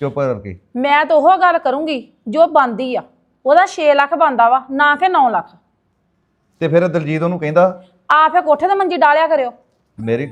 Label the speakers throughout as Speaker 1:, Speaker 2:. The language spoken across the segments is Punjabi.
Speaker 1: ਚੁੱਪ ਕਰਕੇ।
Speaker 2: ਮੈਂ ਤਾਂ ਉਹ ਗੱਲ ਕਰੂੰਗੀ ਜੋ ਬੰਦੀ ਆ। ਉਹਦਾ 6 ਲੱਖ ਬੰਦਾ ਵਾ ਨਾ ਕਿ 9 ਲੱਖ।
Speaker 1: ਤੇ ਫਿਰ ਦਲਜੀਤ ਉਹਨੂੰ ਕਹਿੰਦਾ
Speaker 2: ਆ ਫੇ ਕੋਠੇ ਤੇ ਮੰਜੀ ਡਾਲਿਆ ਕਰਿਓ।
Speaker 1: ਮੇਰੀ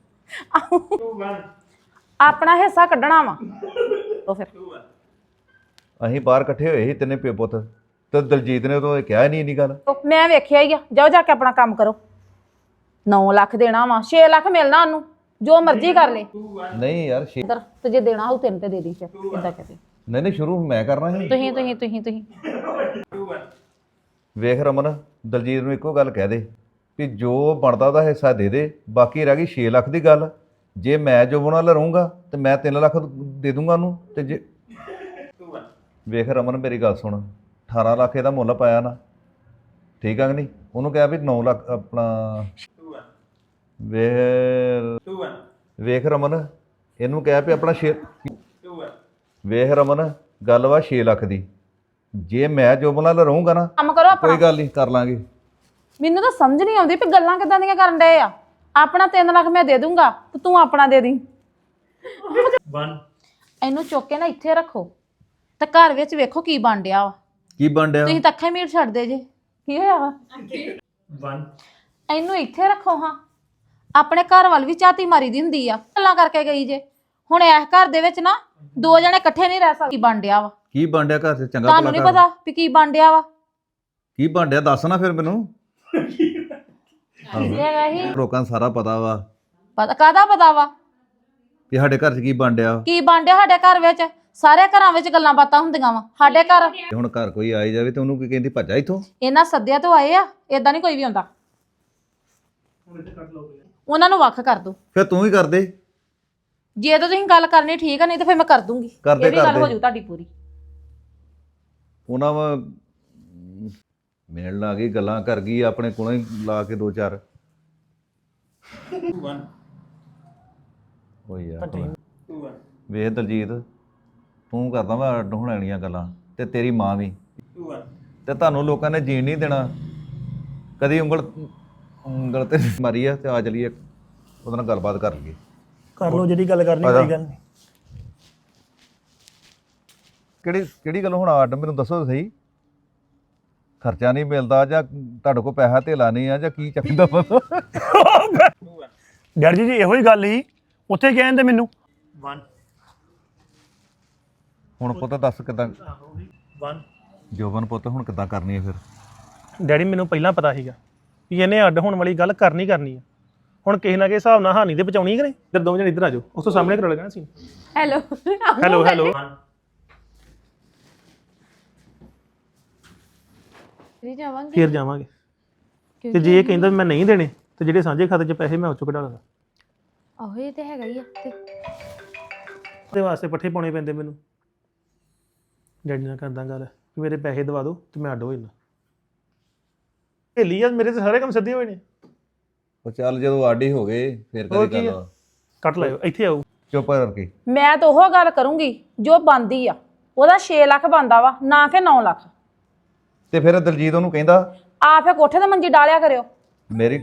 Speaker 2: ਆਪਣਾ ਹਿੱਸਾ ਕੱਢਣਾ ਵਾ ਉਹ ਫਿਰ
Speaker 1: ਅਸੀਂ ਬਾਹਰ ਇਕੱਠੇ ਹੋਏ ਸੀ ਤਿੰਨੇ ਪਿਓ ਪੁੱਤ, ਤੇ ਦਲਜੀਤ ਨੇ ਉਦੋਂ ਕਿਹਾ ਨਹੀਂ ਇੰਨੀ ਗੱਲ।
Speaker 2: ਮੈਂ ਵੇਖਿਆ ਹੀ ਆ। ਜਾਓ ਜਾ ਕੇ ਆਪਣਾ ਕੰਮ ਕਰੋ। 9 ਲੱਖ ਦੇਣਾ ਵਾ, 6 ਲੱਖ ਮਿਲਣਾ ਉਹਨੂੰ, ਜੋ ਮਰਜ਼ੀ ਕਰ ਲੈ।
Speaker 1: ਨਹੀਂ ਯਾਰ
Speaker 2: ਇੱਧਰ ਤੇ ਜੇ ਦੇਣਾ ਹੋਊ 3 ਤੇ ਦੇ ਦੀ। ਫਿਰ ਇਦਾਂ ਕਹਦੇ
Speaker 1: ਨਹੀਂ ਸ਼ੁਰੂ ਮੈਂ ਕਰਨਾ ਸੀ।
Speaker 2: ਤੁਸੀਂ
Speaker 1: ਵੇਖ ਰਮਨ, ਦਲਜੀਤ ਨੂੰ ਇੱਕੋ ਗੱਲ ਕਹਿ ਦੇ ਵੀ ਜੋ ਬਣਦਾ ਉਹਦਾ ਹਿੱਸਾ ਦੇ ਦੇ, ਬਾਕੀ ਰਹਿ ਗਈ 6 ਲੱਖ ਦੀ ਗੱਲ। ਜੇ ਮੈਂ ਜੋ ਨਾਲ ਰਹੂੰਗਾ ਤੇ ਮੈਂ 3 ਲੱਖ ਦੇ ਦੂੰਗਾ ਉਹਨੂੰ। ਤੇ ਜੇ ਵੇਖ ਰਮਨ ਮੇਰੀ ਗੱਲ ਸੁਣ, 18 ਲੱਖ ਇਹਦਾ ਮੁੱਲ ਪਾਇਆ ਨਾ, ਠੀਕ ਆ ਕਿ ਨਹੀਂ? ਉਹਨੂੰ ਕਿਹਾ ਵੀ 9 ਲੱਖ ਆਪਣਾ ਵੇਖ ਰਮਨ, ਇਹਨੂੰ ਕਿਹਾ ਵੀ ਆਪਣਾ 6 ਵੇਖ ਰਮਨ, ਗੱਲ ਵਾ 6 ਲੱਖ ਦੀ। ਜੇ ਮੈਂ ਜੋ ਨਾਲ ਰਹੂੰਗਾ ਨਾ,
Speaker 2: ਕੰਮ ਕਰੋ ਆਪਣਾ।
Speaker 1: ਕੋਈ ਗੱਲ ਨਹੀਂ, ਕਰ ਲਾਂਗੇ।
Speaker 2: ਮੈਨੂੰ ਤਾਂ ਸਮਝ ਨਹੀਂ ਆਉਂਦੀ ਵੀ ਗੱਲਾਂ ਕਿੱਦਾਂ ਦੀਆਂ ਕਰਨ ਡਏ ਆ। ਆਪਣਾ 3 ਲੱਖ ਮੈਂ ਦੇ ਦੂੰਗਾ ਤੇ ਤੂੰ ਆਪਣਾ ਦੇ ਦੀ। ਇਹਨੂੰ ਚੁੱਕ ਕੇ ਨਾ ਇੱਥੇ ਰੱਖੋ ਤੇ ਘਰ ਵਿੱਚ ਵੇਖੋ ਕੀ ਬਣ ਡਿਆ ਵਾ।
Speaker 1: ਕੀ ਬਣ ਡਿਆ?
Speaker 2: ਤੁਸੀਂ ਤਾਂ ਅੱਖਾਂ ਮੀਟ ਛੱਡਦੇ ਜੇ। ਕੀ ਹੋਇਆ ਵਾ? ਇਹਨੂੰ ਇੱਥੇ ਰੱਖੋ ਹਾਂ। ਆਪਣੇ ਘਰ ਵੱਲ ਵੀ ਝਾਤੀ ਮਾਰੀ ਦੀ ਹੁੰਦੀ ਆ। ਗੱਲਾਂ ਕਰਕੇ ਗਈ ਜੇ। ਹੁਣ ਇਸ ਘਰ ਦੇ ਵਿੱਚ ਨਾ 2 ਜਣੇ ਇਕੱਠੇ ਨਹੀਂ ਰਹਿ ਸਕਦੇ। ਕੀ ਬਣ ਡਿਆ ਵਾ?
Speaker 1: ਕੀ ਬਣ ਡਿਆ ਘਰ 'ਚ? ਚੰਗਾ
Speaker 2: ਤੁਹਾਨੂੰ ਨਹੀਂ ਪਤਾ ਵੀ ਕੀ ਬਣ ਡਿਆ ਵਾ?
Speaker 1: ਕੀ ਬਣ ਡਿਆ ਦੱਸ ਨਾ ਫਿਰ ਮੈਨੂੰ।
Speaker 2: ਹੈਗਾ ਹੀ
Speaker 1: ਲੋਕਾਂ ਨੂੰ ਸਾਰਾ ਪਤਾ ਵਾ
Speaker 2: ਪਤਾ। ਕਾਹਦਾ ਪਤਾ ਵਾ?
Speaker 1: ਕਿ ਸਾਡੇ ਘਰ 'ਚ ਕੀ ਬਣ ਡਿਆ।
Speaker 2: ਕੀ ਬਣ ਡਿਆ ਸਾਡੇ ਘਰ ਵਿੱਚ? ਸਾਰੇ ਘਰਾਂ ਵਿੱਚ ਗੱਲਾਂ ਬਾਤਾਂ ਹੁੰਦੀਆਂ ਵਾ। ਸਾਡੇ ਘਰ
Speaker 1: ਹੁਣ ਘਰ ਕੋਈ ਆਈ ਜਾਵੇ ਤੇ ਉਹਨੂੰ ਕੀ ਕਹਿੰਦੀ ਭੱਜਾ ਇੱਥੋਂ?
Speaker 2: ਇਹਨਾਂ ਸੱਦਿਆ ਤੋਂ ਆਏ ਆ। ਏਦਾਂ ਨਹੀਂ ਕੋਈ ਵੀ ਆਉਂਦਾ। ਉਹਨਾਂ ਨੂੰ ਵੱਖ ਕਰ ਦੋ।
Speaker 1: ਫਿਰ ਤੂੰ ਹੀ ਕਰ ਦੇ।
Speaker 2: ਜੇ ਤਾਂ ਤੁਸੀਂ ਗੱਲ ਕਰਨੀ ਠੀਕ ਆ, ਨਹੀਂ ਤਾਂ ਫਿਰ ਮੈਂ ਕਰ ਦੂੰਗੀ।
Speaker 1: ਕਰਦੇ
Speaker 2: ਇਹ ਵੀ ਗੱਲ ਹੋ ਜੂ ਤੁਹਾਡੀ ਪੂਰੀ।
Speaker 1: ਉਹਨਾਂ ਵਾ ਮਿਲਣ ਲੱਗ ਗਈ, ਗੱਲਾਂ ਕਰ ਗਈ, ਆਪਣੇ ਕੋਲੋਂ ਹੀ ਲਾ ਕੇ 2-4 ਹੋ ਯਾਰ। ਵੇਖ ਦਲਜੀਤ, ਤੂੰ ਕਰਦਾ ਵਾ ਅੱਡ ਹੋਣ ਵਾਲੀਆਂ ਗੱਲਾਂ, ਤੇ ਤੇਰੀ ਮਾਂ ਵੀ। ਤੇ ਤੁਹਾਨੂੰ ਲੋਕਾਂ ਨੇ ਜੀਣ ਨਹੀਂ ਦੇਣਾ। ਕਦੀ ਉਂਗਲ ਤੇ ਮਾਰੀ ਆ। ਤੇ ਆ ਚਲੀਏ ਉਹਦੇ ਨਾਲ ਗੱਲਬਾਤ ਕਰ ਲਈਏ।
Speaker 3: ਕਰ ਲਓ ਜਿਹੜੀ ਗੱਲ ਕਰਨੀ। ਕੋਈ ਗੱਲ ਨਹੀਂ।
Speaker 1: ਕਿਹੜੀ ਗੱਲ ਹੁਣ ਅੱਡ ਮੈਨੂੰ ਦੱਸੋ ਤਾਂ ਸਹੀ। ਖਰਚਾ ਨਹੀਂ ਮਿਲਦਾ ਜਾਂ ਤੁਹਾਡੇ ਕੋਲ ਪੈਸਾ ਧੇਲਾ ਨਹੀਂ ਆ ਜਾਂ ਕੀ ਚੱਕਦਾ ਪਤਾ?
Speaker 3: ਡੈਡੀ ਜੀ ਇਹੋ ਹੀ ਗੱਲ ਸੀ, ਉੱਥੇ ਕਹਿੰਦੇ ਮੈਨੂੰ।
Speaker 1: ਹੁਣ ਪੁੱਤ ਦੱਸ ਕਿੱਦਾਂ ਜੋਬਨ ਪੁੱਤ ਹੁਣ ਕਿੱਦਾਂ ਕਰਨੀ ਹੈ ਫਿਰ?
Speaker 3: ਡੈਡੀ ਮੈਨੂੰ ਪਹਿਲਾਂ ਪਤਾ ਸੀਗਾ ਵੀ ਇਹਨੇ ਅੱਡ ਹੋਣ ਵਾਲੀ ਗੱਲ ਕਰਨੀ ਆ। ਹੁਣ ਕਿਸੇ ਨਾ ਕਿਸੇ ਹਿਸਾਬ ਨਾਲ ਹਾਨੀ ਤੇ ਬਚਾਉਣੀ ਕਿ ਨਹੀਂ। ਇੱਧਰ ਦੋਵੇਂ ਜਣੇ ਇੱਧਰ ਆ ਜਾਓ। ਉਸ ਤੋਂ ਸਾਹਮਣੇ ਕਰੋ ਲਗਣਾ ਸੀ।
Speaker 2: ਹੈਲੋ
Speaker 3: ਹੈਲੋ ਫਿਰ ਜਾਵਾਂਗੇ। ਤੇ ਜੇ ਇਹ ਕਹਿੰਦਾ ਮੈਂ ਨਹੀਂ ਦੇਣੇ ਤੇ ਜਿਹੜੇ ਸਾਂਝੇ ਖਾਤੇ 'ਚ ਪੈਸੇ ਮੈਂ ਉਹ ਚੋਂ ਕਢਾ ਲਾਂਗਾ।
Speaker 2: ਆਹੋ ਇਹ ਤੇ ਹੈਗਾ ਹੀ ਆ।
Speaker 3: ਉਹਦੇ ਵਾਸਤੇ ਪੱਠੇ ਪਾਉਣੇ ਪੈਂਦੇ ਮੈਨੂੰ। ਡੈਡੀ ਨਾਲ ਕਰਦਾ ਗੱਲ ਕਿ ਮੇਰੇ ਪੈਸੇ ਦਵਾ ਦਿਓ ਤੇ ਮੈਂ ਅੱਡ ਹੋ ਜਾਣਾ। ਹੇਲੀ ਆ ਮੇਰੇ ਤੇ ਸਾਰੇ ਕੰਮ ਸਿੱਧੇ ਹੋਏ ਨੇ।
Speaker 1: ਉਹ ਚੱਲ ਜਦੋਂ ਆਡੀ ਹੋ ਗਏ ਫਿਰ ਕਦੀ ਗੱਲ
Speaker 3: ਕੱਟ ਲਾਇਓ। ਇੱਥੇ ਆਓ।
Speaker 1: ਚੁੱਪ ਕਰਕੇ।
Speaker 2: ਮੈਂ ਤਾਂ ਉਹ ਗੱਲ ਕਰੂੰਗੀ ਜੋ ਬੰਦੀ ਆ। ਉਹਦਾ 6 ਲੱਖ ਬੰਦਾ ਵਾ ਨਾ ਕਿ 9 ਲੱਖ।
Speaker 1: ਤੇ ਫਿਰ ਦਲਜੀਤ ਉਹਨੂੰ ਕਹਿੰਦਾ
Speaker 2: ਆ ਫੇ ਕੋਠੇ ਤੇ ਮੰਜੀ ਡਾਲਿਆ ਕਰਿਓ।
Speaker 1: ਮੇਰੀ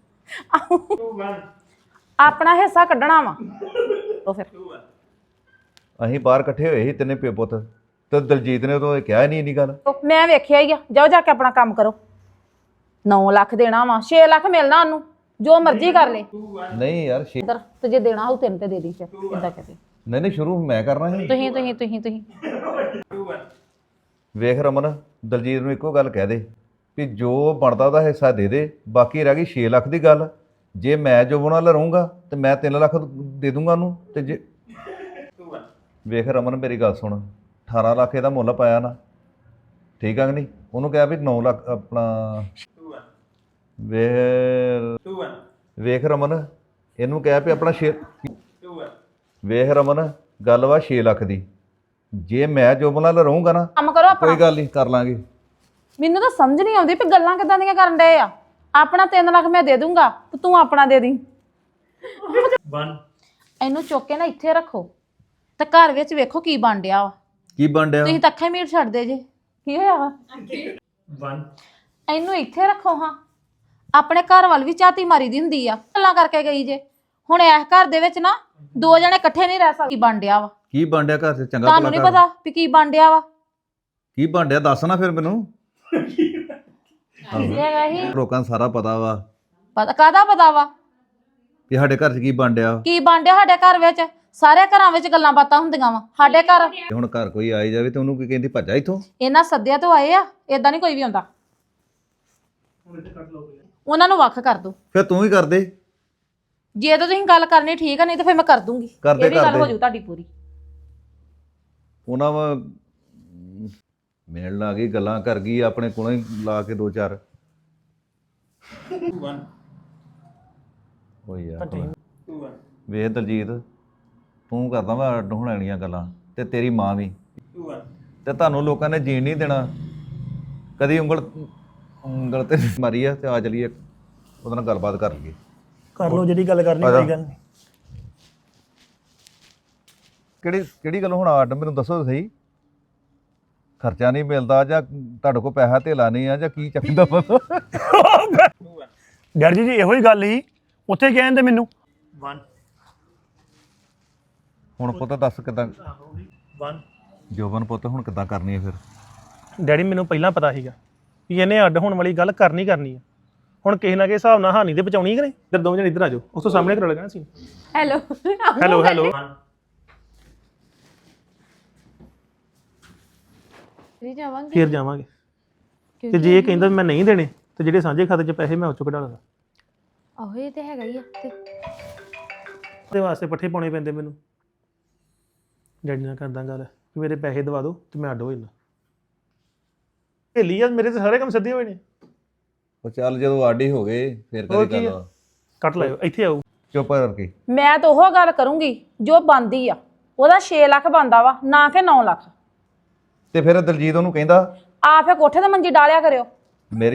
Speaker 2: ਆਪਣਾ ਹਿੱਸਾ ਕੱਢਣਾ ਵਾ ਉਹ ਫਿਰ
Speaker 1: ਅਸੀਂ ਬਾਹਰ ਇਕੱਠੇ ਹੋਏ ਸੀ ਤਿੰਨੇ ਪਿਓ ਪੁੱਤ, ਤੇ ਦਲਜੀਤ ਨੇ ਉਦੋਂ ਕਿਹਾ ਨਹੀਂ ਇੰਨੀ ਗੱਲ।
Speaker 2: ਮੈਂ ਵੇਖਿਆ ਹੀ ਆ। ਜਾਓ ਜਾ ਕੇ ਆਪਣਾ ਕੰਮ ਕਰੋ। 9 ਲੱਖ ਦੇਣਾ ਵਾ, 6 ਲੱਖ ਮਿਲਣਾ ਉਹਨੂੰ, ਜੋ ਮਰਜ਼ੀ ਕਰ ਲੈ।
Speaker 1: ਨਹੀਂ ਯਾਰ
Speaker 2: ਇੱਧਰ ਤੇ ਜੇ ਦੇਣਾ ਹੋਊ 3 ਤੇ ਦੇ ਦੀ। ਫਿਰ ਇਦਾਂ ਕਹਦੇ
Speaker 1: ਨਹੀਂ ਸ਼ੁਰੂ ਮੈਂ ਕਰਨਾ ਸੀ।
Speaker 2: ਤੁਸੀਂ
Speaker 1: ਵੇਖ ਰਮਨ, ਦਲਜੀਤ ਨੂੰ ਇੱਕੋ ਗੱਲ ਕਹਿ ਦੇ ਵੀ ਜੋ ਬਣਦਾ ਉਹਦਾ ਹਿੱਸਾ ਦੇ ਦੇ, ਬਾਕੀ ਰਹਿ ਗਈ 6 ਲੱਖ ਦੀ ਗੱਲ। ਜੇ ਮੈਂ ਜੋ ਨਾਲ ਰਹੂੰਗਾ ਤੇ ਮੈਂ 3 ਲੱਖ ਦੇ ਦੂੰਗਾ ਉਹਨੂੰ। ਤੇ ਜੇ ਵੇਖ ਰਮਨ ਮੇਰੀ ਗੱਲ ਸੁਣ, 18 ਲੱਖ ਇਹਦਾ ਮੁੱਲ ਪਾਇਆ ਨਾ, ਠੀਕ ਆ ਕਿ ਨਹੀਂ? ਉਹਨੂੰ ਕਿਹਾ ਵੀ 9 ਲੱਖ ਆਪਣਾ ਵੇਖ ਰਮਨ, ਇਹਨੂੰ ਕਿਹਾ ਵੀ ਆਪਣਾ ਵੇਖ ਰਮਨ, ਗੱਲ ਵਾ 6 ਲੱਖ ਦੀ। ਜੇ ਮੈਂ ਜੋ ਨਾਲ ਰਹੂੰਗਾ ਨਾ,
Speaker 2: ਕੰਮ ਕਰੋ ਆਪਣਾ।
Speaker 1: ਕੋਈ ਗੱਲ ਨਹੀਂ, ਕਰ ਲਾਂਗੇ।
Speaker 2: ਮੈਨੂੰ ਤਾਂ ਸਮਝ ਨਹੀਂ ਆਉਂਦੀ ਵੀ ਗੱਲਾਂ ਕਿੱਦਾਂ ਦੀਆਂ ਕਰਨ ਡਏ ਆ। ਆਪਣਾ 3 ਲੱਖ ਮੈਂ ਦੇ ਦੂੰਗਾ ਤੇ ਤੂੰ ਆਪਣਾ ਦੇ ਦੀ। ਇਹਨੂੰ ਚੁੱਕ ਕੇ ਨਾ ਇੱਥੇ ਰੱਖੋ ਤੇ ਘਰ ਵਿੱਚ ਵੇਖੋ ਕੀ ਬਣ ਡਿਆ ਵਾ।
Speaker 1: ਕੀ ਬਣ ਡਿਆ?
Speaker 2: ਤੁਸੀਂ ਤਾਂ ਅੱਖਾਂ ਮੀਟ ਛੱਡਦੇ ਜੇ। ਕੀ ਹੋਇਆ ਵਾ? ਇਹਨੂੰ ਇੱਥੇ ਰੱਖੋ ਹਾਂ। ਆਪਣੇ ਘਰ ਵੱਲ ਵੀ ਝਾਤੀ ਮਾਰੀ ਦੀ ਹੁੰਦੀ ਆ। ਗੱਲਾਂ ਕਰਕੇ ਗਈ ਜੇ। ਹੁਣ ਇਸ ਘਰ ਦੇ ਵਿੱਚ ਨਾ 2 ਜਣੇ ਇਕੱਠੇ ਨਹੀਂ ਰਹਿ ਸਕਦੇ। ਕੀ ਬਣ ਡਿਆ ਵਾ?
Speaker 1: ਕੀ ਬਾਂਡਿਆ ਘਰ 'ਚ ਚੰਗਾ
Speaker 2: ਤੁਹਾਨੂੰ ਨਹੀਂ
Speaker 1: ਘਰ?
Speaker 2: ਪਤਾ ਵੀ ਕੀ ਬਾਂਡਿਆ ਵਾ
Speaker 1: ਕੀ ਬਾਂਡਿਆ ਦੱਸ ਨਾ ਫਿਰ ਮੈਨੂੰ।
Speaker 2: ਹੈਗਾ ਹੀ
Speaker 1: ਲੋਕਾਂ ਨੂੰ ਸਾਰਾ ਪਤਾ ਵਾ
Speaker 2: ਪਤਾ ਕਾਹਦਾ ਪਤਾ ਵਾ
Speaker 1: ਕਿ ਸਾਡੇ ਘਰ 'ਚ ਕੀ ਬਾਂਡਿਆ।
Speaker 2: ਕੀ ਬਾਂਡਿਆ ਸਾਡੇ ਘਰ ਵਿੱਚ ਸਾਰੇ ਘਰਾਂ ਵਿੱਚ ਗੱਲਾਂ ਬਾਤਾਂ ਹੁੰਦੀਆਂ ਵਾ ਸਾਡੇ ਘਰ
Speaker 1: ਤੇ ਹੁਣ ਘਰ ਕੋਈ ਆਈ ਜਾਵੇ ਤੇ ਉਹਨੂੰ ਕੀ ਕਹਿੰਦੀ ਭੱਜਾ ਇੱਥੋਂ।
Speaker 2: ਇਹਨਾਂ ਸੱਦਿਆ ਤੋਂ ਆਏ ਆ ਏਦਾਂ ਨਹੀਂ ਕੋਈ ਵੀ ਆਉਂਦਾ ਉਹਨਾਂ ਨੂੰ ਵੱਖ ਕਰ ਦੋ
Speaker 1: ਫਿਰ ਤੂੰ ਹੀ ਕਰ ਦੇ।
Speaker 2: ਜੇ ਤਾਂ ਤੁਸੀਂ ਗੱਲ ਕਰਨੀ ਠੀਕ ਆ ਨਹੀਂ ਤਾਂ ਫਿਰ ਮੈਂ ਕਰ ਦੂੰਗੀ
Speaker 1: ਕਰਦੇ-
Speaker 2: ਇਹ ਵੀ ਗੱਲ
Speaker 1: ਕਰਦੇ।
Speaker 2: ਹੋ ਜੂ ਤੁਹਾਡੀ ਪੂਰੀ
Speaker 1: ਉਹਨਾਂ ਵਾ ਮਿਲਣ ਲੱਗ ਗਈ ਗੱਲਾਂ ਕਰ ਗਈ ਆਪਣੇ ਕੋਲੋਂ ਹੀ ਲਾ ਕੇ 2-4 ਓ ਯਾਰ ਵੇਖ ਦਲਜੀਤ ਤੂੰ ਕਰਦਾ ਵਾ ਅੱਡ ਹੋਣ ਵਾਲੀਆਂ ਗੱਲਾਂ ਤੇ ਤੇਰੀ ਮਾਂ ਵੀ ਤੇ ਤੁਹਾਨੂੰ ਲੋਕਾਂ ਨੇ ਜੀਣ ਨਹੀਂ ਦੇਣਾ। ਕਦੀ ਉਂਗਲ ਤੇ ਮਾਰੀ ਆ ਤੇ ਆ ਚਲੀਏ ਉਹਦੇ ਨਾਲ ਗੱਲਬਾਤ ਕਰ ਲਈਏ।
Speaker 3: ਕਰ ਲਓ ਜਿਹੜੀ ਗੱਲ ਕਰਨੀ ਕੋਈ ਗੱਲ ਨਹੀਂ।
Speaker 1: ਕਿਹੜੀ ਗੱਲ ਹੁਣ ਅੱਡ ਮੈਨੂੰ ਦੱਸੋ ਤਾਂ ਸਹੀ। ਖਰਚਾ ਨਹੀਂ ਮਿਲਦਾ ਜਾਂ ਤੁਹਾਡੇ ਕੋਲ ਪੈਸਾ ਧੇਲਾ ਨਹੀਂ ਆ ਜਾਂ ਕੀ ਚੱਕਦਾ ਪਤਾ।
Speaker 3: ਡੈਡੀ ਜੀ ਇਹੋ ਹੀ ਗੱਲ ਸੀ ਉੱਥੇ ਕਹਿੰਦੇ ਮੈਨੂੰ
Speaker 1: ਹੁਣ ਪੁੱਤ ਦੱਸ ਕਿੱਦਾਂ ਜੋਬਨ ਪੁੱਤ ਹੁਣ ਕਿੱਦਾਂ ਕਰਨੀ ਹੈ ਫਿਰ।
Speaker 3: ਡੈਡੀ ਮੈਨੂੰ ਪਹਿਲਾਂ ਪਤਾ ਸੀਗਾ ਵੀ ਇਹਨੇ ਅੱਡ ਹੋਣ ਵਾਲੀ ਗੱਲ ਕਰਨੀ ਕਰਨੀ ਆ। ਹੁਣ ਕਿਸੇ ਨਾ ਕਿਸੇ ਹਿਸਾਬ ਨਾਲ ਹਾਨੀ ਤੇ ਬਚਾਉਣੀ ਕਿ ਨਹੀਂ। ਇੱਧਰ ਦੋਵੇਂ ਜਣੇ ਇੱਧਰ ਆ ਜਾਓ ਉਸ ਤੋਂ ਸਾਹਮਣੇ ਕਰ ਲੈਣਾ ਸੀ।
Speaker 2: ਹੈਲੋ
Speaker 3: ਹੈਲੋ ਹੈਲੋ
Speaker 2: ਵੀ ਜਾਵਾਂਗੇ
Speaker 3: ਫੇਰ ਜਾਵਾਂਗੇ ਤੇ ਜੇ ਇਹ ਕਹਿੰਦਾ ਵੀ ਮੈਂ ਨਹੀਂ ਦੇਣੇ ਤੇ ਜਿਹੜੇ ਸਾਂਝੇ ਖਾਤੇ 'ਚ ਪੈਸੇ ਮੈਂ ਉਹ 'ਚੋਂ ਕਢਾ ਲਾਂਗਾ।
Speaker 2: ਆਹੋ ਇਹ ਤੇ ਹੈਗਾ ਹੀ ਆ ਤੇ
Speaker 3: ਉਹਦੇ ਵਾਸਤੇ ਪੱਠੇ ਪਾਉਣੇ ਪੈਂਦੇ ਮੈਨੂੰ। ਡੈਡੀ ਨਾਲ ਕਰਦਾ ਗੱਲ ਕਿ ਮੇਰੇ ਪੈਸੇ ਦਵਾ ਦਿਓ ਤੇ ਮੈਂ ਅੱਡ ਹੋ ਜਾਣਾ। ਢੇਲੀ ਆ ਮੇਰੇ ਤੇ ਸਾਰੇ ਕੰਮ ਸਿੱਧੇ ਹੋਏ ਨੇ।
Speaker 1: ਉਹ ਚੱਲ ਜਦੋਂ ਆਡੀ ਹੋ ਗਏ ਫਿਰ
Speaker 3: ਹੋਰ
Speaker 1: ਕਦੀ
Speaker 3: ਕੀ
Speaker 1: ਗੱਲ
Speaker 3: ਆ? ਕੱਟ ਲਾਇਓ ਇੱਥੇ ਆਓ।
Speaker 1: ਚੁੱਪ ਕਰਕੇ।
Speaker 2: ਮੈਂ ਤਾਂ ਉਹ ਗੱਲ ਕਰੂੰਗੀ ਜੋ ਬੰਦੀ ਆ ਉਹਦਾ 6 ਲੱਖ ਬੰਦਾ ਵਾ ਨਾ ਕਿ 9 ਲੱਖ
Speaker 1: ਤੇ ਫਿਰ ਦਲਜੀਤ ਉਹਨੂੰ ਕਹਿੰਦਾ
Speaker 2: ਆ ਫੇ ਕੋਠੇ ਤੇ ਮੰਜੀ ਡਾਲਿਆ ਕਰਿਓ
Speaker 1: ਮੇਰੀ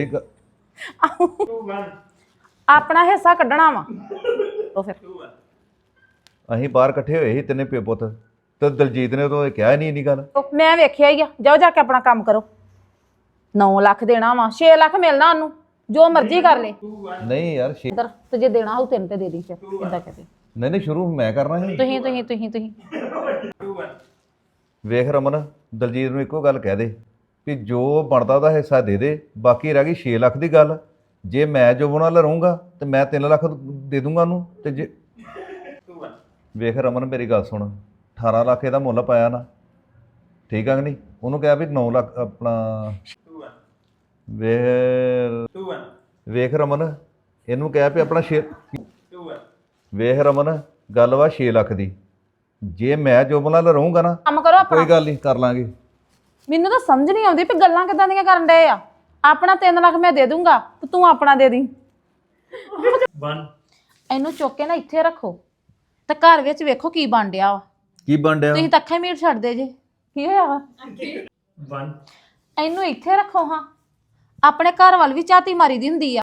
Speaker 2: ਆਪਣਾ ਹਿੱਸਾ ਕੱਢਣਾ ਵਾ ਉਹ ਫਿਰ
Speaker 1: ਅਸੀਂ ਬਾਹਰ ਇਕੱਠੇ ਹੋਏ ਸੀ ਤਿੰਨੇ ਪਿਓ ਪੁੱਤ ਤੇ ਦਲਜੀਤ ਨੇ ਉਦੋਂ ਇਹ ਕਿਹਾ ਹੀ ਨਹੀਂ ਇੰਨੀ ਗੱਲ।
Speaker 2: ਮੈਂ ਵੇਖਿਆ ਹੀ ਆ ਜਾਓ ਜਾ ਕੇ ਆਪਣਾ ਕੰਮ ਕਰੋ 9 ਲੱਖ ਦੇਣਾ ਵਾ 6 ਲੱਖ ਮਿਲਣਾ ਉਹਨੂੰ ਜੋ ਮਰਜ਼ੀ ਕਰ ਲੈ
Speaker 1: ਨਹੀਂ ਯਾਰ
Speaker 2: ਇੱਧਰ ਤੇ ਜੇ ਦੇਣਾ ਹੋਊ ਤੈਨੂੰ ਤੇ ਦੇ ਦੀ ਫਿਰ ਇਦਾਂ ਕਹਦੇ
Speaker 1: ਨਹੀਂ ਸ਼ੁਰੂ ਮੈਂ ਕਰਨਾ ਸੀ।
Speaker 2: ਤੁਸੀਂ
Speaker 1: ਵੇਖ ਰਮਨ ਦਲਜੀਤ ਨੂੰ ਇੱਕੋ ਗੱਲ ਕਹਿ ਦੇ ਵੀ ਜੋ ਬਣਦਾ ਉਹਦਾ ਹਿੱਸਾ ਦੇ ਦੇ। ਬਾਕੀ ਰਹਿ ਗਈ 6 ਲੱਖ ਦੀ ਗੱਲ। ਜੇ ਮੈਂ ਜੋ ਉਹਨਾਂ ਨਾਲ ਰਹੂੰਗਾ ਤੇ ਮੈਂ 3 ਲੱਖ ਦੇ ਦੂੰਗਾ ਉਹਨੂੰ। ਤੇ ਜੇ ਵੇਖ ਰਮਨ ਮੇਰੀ ਗੱਲ ਸੁਣ 18 ਲੱਖ ਇਹਦਾ ਮੁੱਲ ਪਾਇਆ ਨਾ ਠੀਕ ਆ ਕਿ ਨਹੀਂ। ਉਹਨੂੰ ਕਿਹਾ ਵੀ 9 ਲੱਖ ਆਪਣਾ ਵੇਖ ਰਮਨ ਇਹਨੂੰ ਕਿਹਾ ਵੀ ਆਪਣਾ 6 ਵੇਖ ਰਮਨ ਗੱਲ ਵਾ 6 ਲੱਖ ਦੀ। ਜੇ ਮੈਂ ਜੋ ਨਾਲ ਰਹੂੰਗਾ ਨਾ
Speaker 2: ਕੰਮ ਕਰੋ ਆਪਣਾ।
Speaker 1: ਕੋਈ ਗੱਲ ਨਹੀਂ ਕਰ ਲਾਂਗੇ।
Speaker 2: ਮੈਨੂੰ ਤਾਂ ਸਮਝ ਨਹੀਂ ਆਉਂਦੀ ਵੀ ਗੱਲਾਂ ਕਿਦਾਂ ਦੀਆਂ ਕਰਨ ਡਏ ਆ। ਆਪਣਾ 3 ਲੱਖ ਮੈਂ ਦੇ ਦੂੰਗਾ ਤੇ ਤੂੰ ਆਪਣਾ ਦੇ ਦੀ। ਇਹਨੂੰ ਚੁੱਕ ਕੇ ਨਾ ਇੱਥੇ ਰੱਖੋ ਤੇ ਘਰ ਵਿੱਚ ਵੇਖੋ ਕੀ ਬਣ ਡਿਆ ਵਾ।
Speaker 1: ਕੀ ਬਣ ਡਿਆ?
Speaker 2: ਤੁਸੀਂ ਤਾਂ ਅੱਖਾਂ ਮੀਟ ਛੱਡਦੇ ਜੇ ਕੀ ਹੋਇਆ ਵਾ। ਇਹਨੂੰ ਇੱਥੇ ਰੱਖੋ ਹਾਂ ਆਪਣੇ ਘਰ ਵੱਲ ਵੀ ਝਾਤੀ ਮਾਰੀ ਦੀ ਹੁੰਦੀ ਆ।